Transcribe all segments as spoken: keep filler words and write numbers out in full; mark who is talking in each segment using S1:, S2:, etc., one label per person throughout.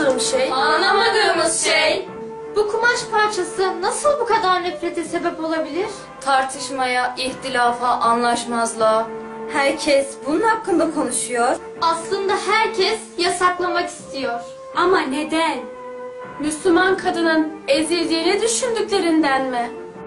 S1: Anlamadığım şey...
S2: Anlamadığımız şey...
S3: Bu kumaş parçası nasıl bu kadar nefrete sebep olabilir?
S2: Tartışmaya, ihtilafa, anlaşmazlığa.
S4: Herkes bunun hakkında konuşuyor.
S3: Aslında herkes yasaklamak istiyor.
S1: Ama neden? Müslüman kadının ezildiğini düşündüklerinden mi?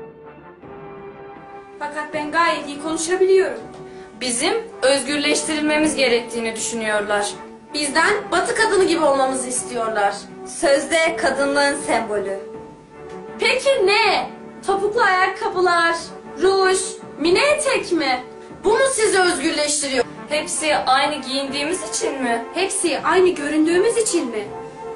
S1: Fakat ben gayet iyi konuşabiliyorum.
S2: Bizim özgürleştirilmemiz gerektiğini düşünüyorlar.
S1: Bizden Batı kadını gibi olmamızı istiyorlar.
S4: Sözde kadınlığın sembolü.
S1: Peki ne? Topuklu ayakkabılar, ruj, mini etek mi? Bu mu sizi özgürleştiriyor?
S2: Hepsi aynı giyindiğimiz için mi?
S1: Hepsi aynı göründüğümüz için mi?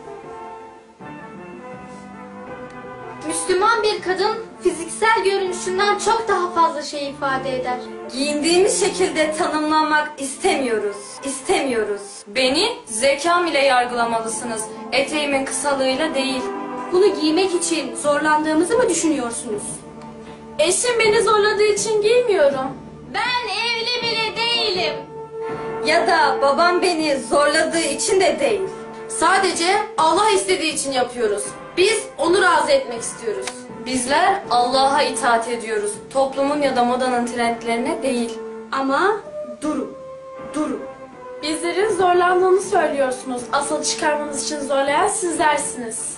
S3: Müslüman bir kadın fiziksel görünüşünden çok daha fazla şey ifade eder.
S4: Giyindiğimiz şekilde tanımlanmak istemiyoruz. İstemiyoruz.
S2: Beni zekam ile yargılamalısınız. Eteğimin kısalığıyla değil.
S1: Bunu giymek için zorlandığımızı mı düşünüyorsunuz? Eşim beni zorladığı için giymiyorum.
S3: Ben evli bile değilim.
S4: Ya da babam beni zorladığı için de değil.
S1: Sadece Allah istediği için yapıyoruz. Biz onu razı etmek istiyoruz.
S2: Bizler Allah'a itaat ediyoruz. Toplumun ya da modanın trendlerine değil.
S1: Ama durun, durun. Bizlerin zorlandığını söylüyorsunuz. Asıl çıkarmamız için zorlayan sizlersiniz.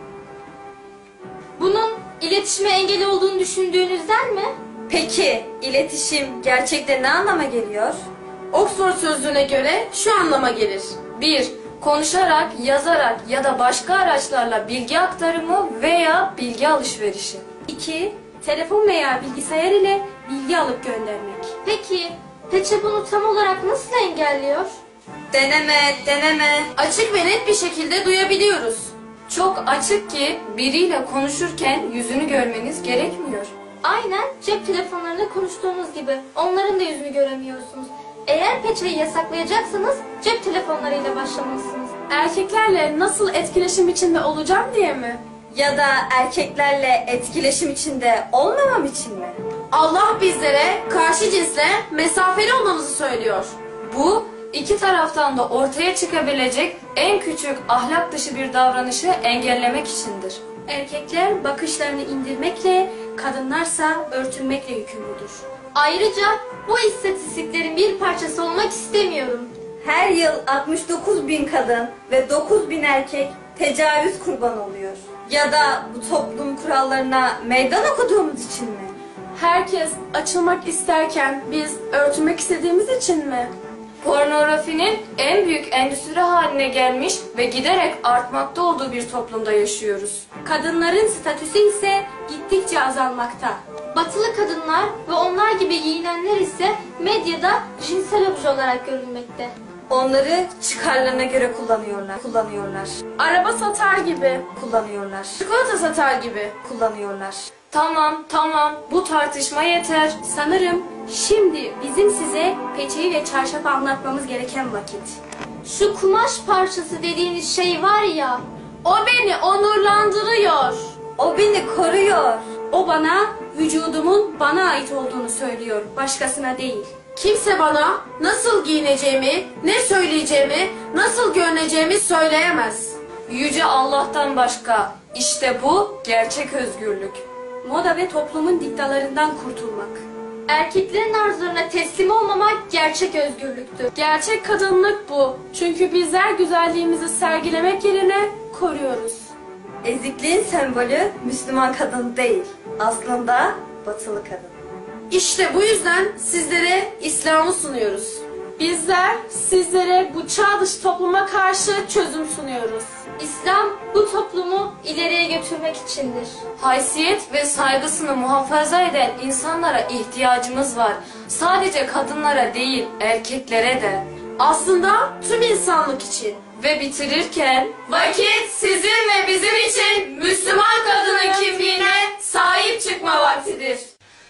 S3: Bunun iletişime engel olduğunu düşündüğünüzden mi?
S4: Peki iletişim gerçekte ne anlama geliyor?
S1: Oxford sözlüğüne göre şu anlama gelir.
S2: bir Konuşarak, yazarak ya da başka araçlarla bilgi aktarımı veya bilgi alışverişi.
S1: İki Telefon veya bilgisayar ile bilgi alıp göndermek.
S3: Peki peçe bunu tam olarak nasıl engelliyor?
S4: Deneme, deneme.
S1: Açık ve net bir şekilde duyabiliyoruz.
S2: Çok açık ki biriyle konuşurken yüzünü görmeniz gerekmiyor.
S3: Aynen cep telefonlarında konuştuğunuz gibi onların da yüzünü göremiyorsunuz. Eğer peçeyi yasaklayacaksanız cep telefonlarıyla başlamalısınız.
S1: Erkeklerle nasıl etkileşim içinde olacağım diye mi?
S4: Ya da erkeklerle etkileşim içinde olmamam için mi?
S1: Allah bizlere karşı cinsle mesafeli olmamızı söylüyor.
S2: Bu iki taraftan da ortaya çıkabilecek en küçük ahlak dışı bir davranışı engellemek içindir.
S1: Erkekler bakışlarını indirmekle, kadınlarsa örtünmekle yükümlüdür.
S3: Ayrıca bu istatistiklerin bir parçası olmak istemiyorum.
S4: Her yıl altmış dokuz bin kadın ve dokuz bin erkek tecavüz kurbanı oluyor. Ya da bu toplum kurallarına meydan okuduğumuz için mi?
S1: Herkes açılmak isterken biz örtünmek istediğimiz için mi?
S2: Pornografinin en büyük endüstri haline gelmiş ve giderek artmakta olduğu bir toplumda yaşıyoruz.
S1: Kadınların statüsü ise gittikçe azalmakta.
S3: Batılı kadınlar ve onlar gibi giyinenler ise medyada cinsel obje olarak görülmekte.
S4: Onları çıkarlarına göre kullanıyorlar. Kullanıyorlar.
S1: Araba satar gibi,
S4: Kullanıyorlar.
S1: çikolata satar gibi.
S4: Kullanıyorlar.
S2: Tamam, tamam. Bu tartışma yeter.
S1: Sanırım şimdi bizim size peçeyi ve çarşafı anlatmamız gereken vakit.
S3: Şu kumaş parçası dediğiniz şey var ya,
S1: O beni onurlandırıyor.
S4: O beni koruyor.
S1: O bana vücudumun bana ait olduğunu söylüyor, başkasına değil. Kimse bana nasıl giyineceğimi, ne söyleyeceğimi, nasıl görüneceğimi söyleyemez.
S2: Yüce Allah'tan başka. İşte bu gerçek özgürlük.
S1: Moda ve toplumun diktalarından kurtulmak.
S3: erkeklerin arzularına teslim olmamak gerçek özgürlüktür.
S1: Gerçek kadınlık bu. Çünkü bizler güzelliğimizi sergilemek yerine koruyoruz.
S4: Ezikliğin sembolü Müslüman kadın değil. Aslında batılı kadın.
S1: İşte bu yüzden sizlere İslam'ı sunuyoruz. Bizler sizlere bu çağ dışı topluma karşı çözüm sunuyoruz.
S3: İslam bu toplumu ileriye götürmek içindir.
S2: Haysiyet ve saygısını muhafaza eden insanlara ihtiyacımız var. Sadece kadınlara değil, erkeklere de.
S1: Aslında tüm insanlık için.
S2: Ve bitirirken, vakit sizin ve bizim için Müslüman kadının kimliğine sahip çıkma vaktidir.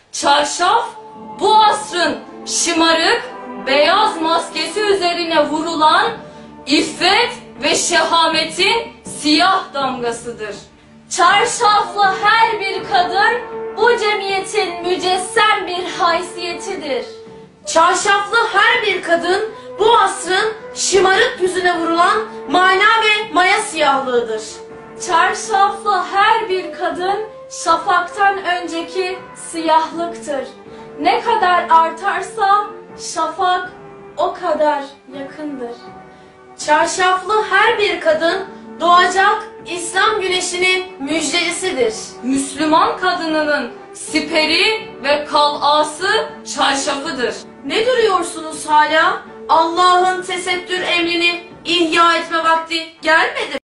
S2: Çarşaf, bu asrın şımarık, beyaz maskesi üzerine vurulan iffet ve şehametin siyah damgasıdır. Çarşaflı her bir kadın bu cemiyetin mücessem bir haysiyetidir.
S1: Çarşaflı her bir kadın bu asrın şımarık yüzüne vurulan mana ve mayası siyahlığıdır.
S5: Çarşaflı her bir kadın şafaktan önceki siyahlıktır. Ne kadar artarsa şafak o kadar yakındır.
S1: Çarşaflı her bir kadın doğacak İslam güneşinin müjdelisidir.
S2: Müslüman kadınının siperi ve kalası çarşafıdır.
S1: Ne duruyorsunuz hala? Allah'ın tesettür emrini ihya etme vakti gelmedi mi?